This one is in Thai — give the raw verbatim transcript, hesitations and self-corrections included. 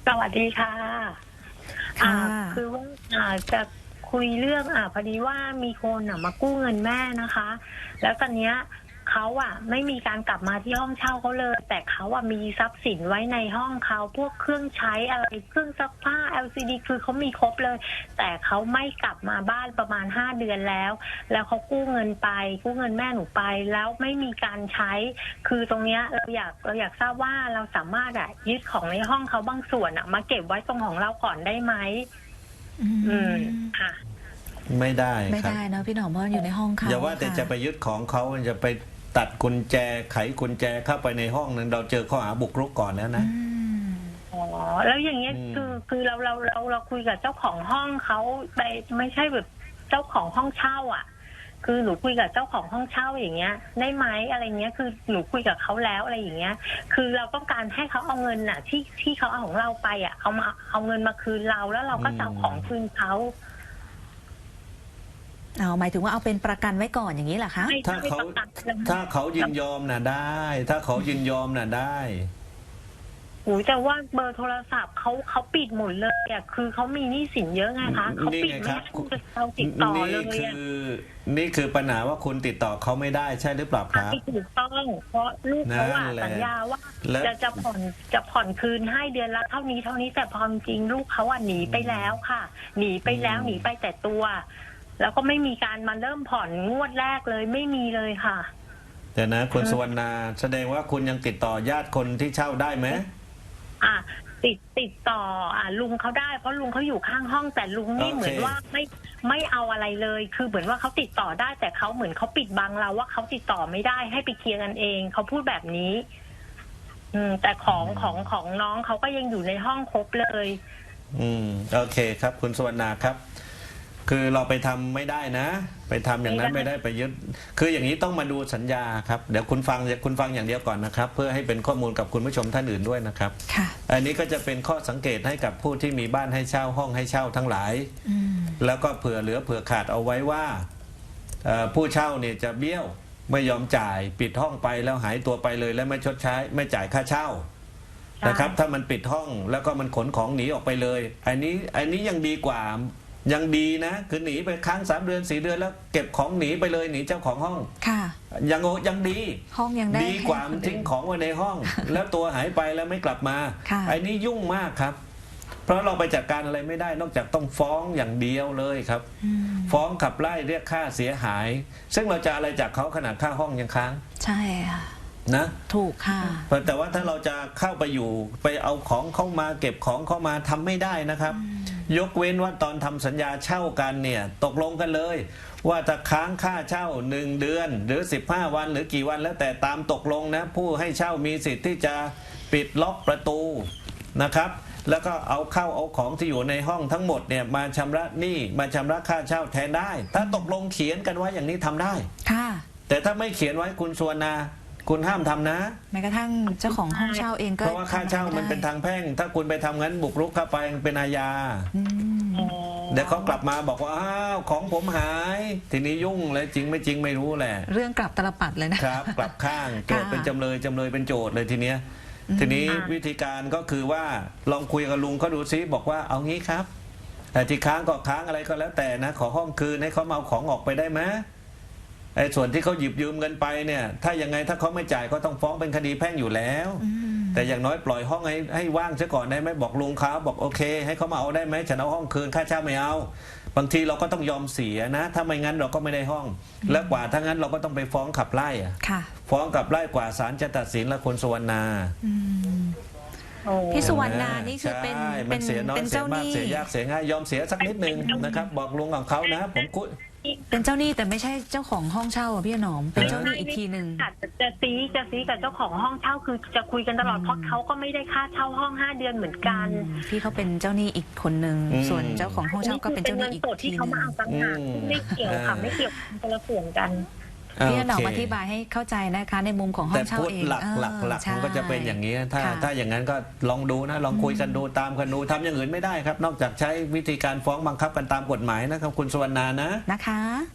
สวัสดีค่ะอ่าค่ะคือว่าอ่าจะคุยเรื่องอ่าพอดีว่ามีคนอ่ะมากู้เงินแม่นะคะ แล้วตอนเนี้ยเขาอ่ะไม่มีการกลับมาที่ห้องเช่าเขาเลย แต่เขาอ่ะมีทรัพย์สินไว้ในห้องเขาพวกเครื่องใช้อะไรเครื่องซักผ้า แอล ซี ดี คือเขามีครบเลย แต่เขาไม่กลับมาบ้านประมาณห้าเดือนแล้ว แล้วเขากู้เงินไปกู้เงินแม่หนูไปแล้วไม่มีการใช้ คือตรงเนี้ยเราอยากเราอยากทราบว่าเราสามารถอะยึดของในห้องเขาบางส่วนอะมาเก็บไว้ตรงของเราก่อนได้ไหมอือืมมค่ะไม่ได้ไม่ครับได้เนอะพี่หนอมเพราะมันอยู่ในห้องเขาอย่าว่าแต่ค่จะไปยึดของเขาจะไปตัดกุญแจไขกุญแจเข้าไปในห้องนั้นเราเจอข้อหาบุกรุกก่อนแล้วนะอืมอ๋อแล้วอย่างเงี้ยอืมคือคือเราเราเราเราคุยกับเจ้าของห้องเขาไปไม่ใช่แบบเจ้าของห้องเช่าอ่ะ คือหนูคุยกับเจ้าของห้องเช่าอย่างเงี้ย ได้ไหมอะไรเงี้ยคือหนูคุยกับเขาแล้วอะไรอย่างเงี้ย คือเราต้องการให้เขาเอาเงินน่ะ ที่ที่เขาเอาของเราไปอ่ะเอามาเอาเงินมาคืนเราแล้วเราก็จะเอาของคืนเขาเอาหมายถึงว่าเอาเป็นประกันไว้ก่อนอย่างนี้เหรอคะไม่ถ้าไม่เขาประกันเลยถ้าเขายินยอมน่ะได้ ถ้าเขายินยอมน่ะได้โอ้แต่ว่าเบอร์โทรศัพท์เขาเขาปิดหมดเลยอ่ะคือเขามีหนี้สินเยอะไงคะเขาปิดนี่ไงไม่ครับให้เราติดต่อนี่เลยคือ่ะอนี่คือปัญหาว่าคุณติดต่อเขาไม่ได้ใช่หรือเปล่าครับไม่ถูกต้องเพราะลูกเขาอ่ะนั่นแหละสัญญาว่าและจะจะผ่อนจะผ่อนคืนให้เดือนละเท่านี้เท่านี้แต่พอจริงลูกเขาอ่ะหนีไปแล้วค่ะ หนีไปแล้วหนีไปแต่ตัว แล้วก็ไม่มีการมาเริ่มผ่อนงวดแรกเลยไม่มีเลยค่ะเดี๋ยวนะคุณสุวรรณาแสดงว่าคุณยังติดต่อญาติคนที่เช่าได้ไหมอ่ะติดติดต่ออ่ะลุงเขาได้เพราะลุงเขาอยู่ข้างห้องแต่ลุงนี่โอเคเหมือนว่าไม่ไม่เอาอะไรเลย คือเหมือนว่าเขาติดต่อได้ แต่เขาเหมือนเขาปิดบังเราว่าเขาติดต่อไม่ได้ให้ไปเคลียร์กันเองเขาพูดแบบนี้ อืม แต่ของของของน้องเขาก็ยังอยู่ในห้องครบเลยอืมโอเคครับ คุณสุวรรณาครับ คือเราไปทำไม่ได้นะ ไปทำอย่างนั้นไม่ไม่ได้ได้ไปยึดคืออย่างนี้ต้องมาดูสัญญาครับเดี๋ยวคุณฟังคุณฟังอย่างเดียวก่อนนะครับ เพื่อให้เป็นข้อมูลกับคุณผู้ชมท่านอื่นด้วยนะครับค่ะอันนี้ก็จะเป็นข้อสังเกตให้กับผู้ที่มีบ้านให้เช่าห้องให้เช่าทั้งหลายอืมแล้วก็เผื่อเหลือเผื่อขาดเอาไว้ว่าเอ่อผู้เช่าเนี่ยจะเบี้ยวไม่ยอมจ่ายปิดห้องไปแล้วหายตัวไปเลย แล้วไม่ชดใช้ไม่จ่ายค่าเช่านะครับ ถ้ามันปิดห้องแล้วก็มันขนของหนีออกไปเลย อันนี้อันนี้ยังดีกว่ายังดีนะคือหนีไปค้างสามเดือนสี่เดือนแล้วเก็บของหนีไปเลยหนีเจ้าของห้องค่ะยังโอยังดีห้องยังได้ดีกว่าให้มันคนทิ้งอื่นของไว้ในห้อง แล้วตัวหายไปแล้วไม่กลับมาค่ะไอ้นี้ยุ่งมากครับ เพราะเราไปจัดการอะไรไม่ได้ นอกจากต้องฟ้องอย่างเดียวเลยครับอืมฟ้องขับไล่เรียกค่าเสียหาย ซึ่งเราจะอะไรจากเขาขนาดค่าห้องยังค้างใช่ค่ะนะถูกค่ะแต่ว่าถ้าเราจะเข้าไปอยู่ไปเอาของเข้ามาเก็บของเข้ามาทำไม่ได้นะครับ ยกเว้นว่าตอนทำสัญญาเช่ากันเนี่ยตกลงกันเลย ว่าถ้าค้างค่าเช่าหนึ่งเดือน หรือสิบห้าวันหรือกี่วันแล้วแต่ตามตกลงนะ ผู้ให้เช่ามีสิทธิ์ที่จะปิดล็อกประตูนะครับ แล้วก็เอาเข้าเอาของที่อยู่ในห้องทั้งหมดเนี่ยมาชำระหนี้มาชำระค่าเช่าแทนได้ ถ้าตกลงเขียนกันไว้อย่างนี้ทำได้ค่ะแต่ถ้าไม่เขียนไว้คุณสวรรณาคุณห้ามทำนะแม้กระทั่งเจ้าของห้องเช่าเองก็เพราะว่าค่าเช่ามันเป็นทางแพ่ง ถ้าคุณไปทำงั้นบุกรุกเข้าไปเป็นอาญาอืมเดี๋ยวเขากลับมาบอกว่าอ้าวของผมหาย ทีนี้ยุ่งเลยจริงไม่จริงไม่รู้แหละเรื่องกลับตลปัดเลยนะครับกลับข้างโจทย์ค่ะเป็นจำเลยจำเลยเป็นโจทย์เลยทีเนี้ย ทีนี้วิธีการก็คือว่าลองคุยกับลุงเขาดูซิบอกว่าเอางี้ครับ แต่ที่ค้างก็ค้างอะไรก็แล้วแต่นะ ขอห้องคืนให้เขามาเอาของออกไปได้ไหมไอ้ส่วนที่เขาหยิบยืมเงินไปเนี่ย ถ้ายังไงถ้าเขาไม่จ่ายก็ต้องฟ้องเป็นคดีแพ่งอยู่แล้วอืมแต่อย่างน้อยปล่อยห้องให้ให้ว่างซะก่อนได้ไหมบอกลุงเขาบอกโอเค ให้เขามาเอาได้ไหมฉันเอาห้องคืนค่าเช่าไม่เอา บางทีเราก็ต้องยอมเสียนะ ถ้าไม่งั้นเราก็ไม่ได้ห้อง แล้วกว่าถ้างั้นเราก็ต้องไปฟ้องขับไล่อะค่ะฟ้องขับไล่กว่าศาลจะตัดสินและคุณสุวรรณาอืมโอ้พี่สุวรรณานี่คือเป็นใช่เป็มัน นเสียน้อยเป็นเสียเจ้ามากหนี้เสียยากเสียง่ายยอมเสียสักนิดนึงนะครับบอกลุงของเขานะ ผมคุยเป็นเจ้าหนี้แต่ไม่ใช่เจ้าของห้องเช่าอะพี่หนอม เป็นเจ้าหนี้อีกทีหนึ่งจะจะซีจะซีกับเจ้าของห้องเช่าคือจะคุยกันตลอดเพราะเขาก็ไม่ได้ค่าเช่าห้องห้าเดือนเหมือนกันพี่เขาเป็นเจ้าหนี้อีกคนหนึ่งอืมส่วนเจ้าของห้องเช่าก็เป็นเจ้าหนี้อีกเงินสดทีที่หเขานึ่งมาเอาต่างหากอืมไม่เกี่ยวค่ะเออไม่เกี่ยวคนละส่วนกันพี่หนอมโเคอธิบายให้เข้าใจนะคะ ในมุมของห้แต่องเช่าพูดเองหลักเออหลักหลักใช่มันก็จะเป็นอย่างนี้ถ้าค่ะถ้าอย่างนั้นก็ลองดูนะลองคุยกันดูตามกันดูทำอย่างอื่นไม่ได้ครับ นอกจากใช้วิธีการฟ้องบังคับกันตามกฎหมายนะครับ คุณสุวรรณานะนะคะ